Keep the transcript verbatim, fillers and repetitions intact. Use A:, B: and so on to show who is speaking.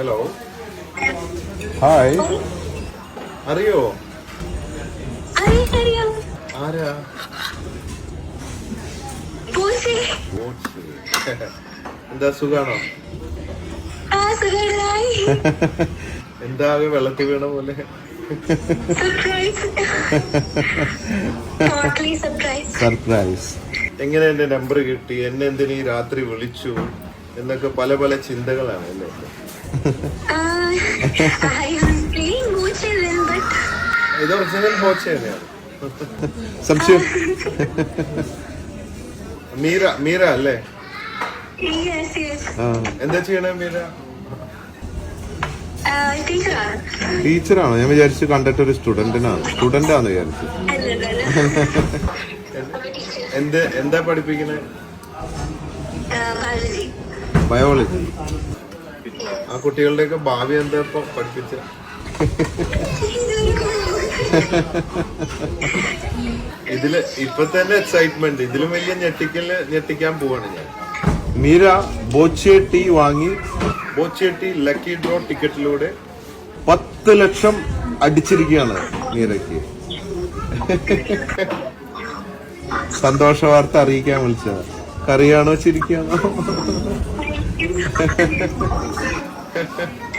A: hello hi അറിയോ ആരാ എന്താ സുഖാണോ എന്താ വെള്ളത്തിൽ വീണ പോലെ സർപ്രൈസ് എങ്ങനെ എന്റെ നമ്പർ കിട്ടി എന്നെ എന്തിനീ രാത്രി വിളിച്ചു എന്നൊക്കെ പല പല ചിന്തകളാണ് അല്ലേ ഇത് ഒറിജിനൽ ബോച്ച തന്നെയാണ് സംശയം മീര മീര അല്ലേ എന്താ ചെയ്യണേ മീര ടീച്ചറാണോ ഞാൻ വിചാരിച്ചു കണ്ടിട്ട് ഒരു സ്റ്റുഡന്റിനാണ് സ്റ്റുഡന്റ് ആണെന്ന് വിചാരിച്ചു എന്ത് എന്താ പഠിപ്പിക്കണേ ബയോളജി ആ കുട്ടികളുടെയൊക്കെ ഭാവി എന്താ ഇപ്പൊ പഠിപ്പിച്ച ഇതില് ഇപ്പൊ തന്നെ എക്സൈറ്റ്മെന്റ് ഇതിലും വലിയ ഞെട്ടിക്കല് ഞെട്ടിക്കാൻ പോവാണ് ഞാൻ മീര ബോച്ചെ ടീ വാങ്ങി ബോച്ചെ ടീ ലക്കി ഡ്രോ ടിക്കറ്റിലൂടെ പത്ത് ലക്ഷം അടിച്ചിരിക്കുകയാണ് മീരയ്ക്ക് സന്തോഷ വാർത്ത അറിയിക്കാൻ വിളിച്ചത് കറിയാണോ ചിരിക്കാണോ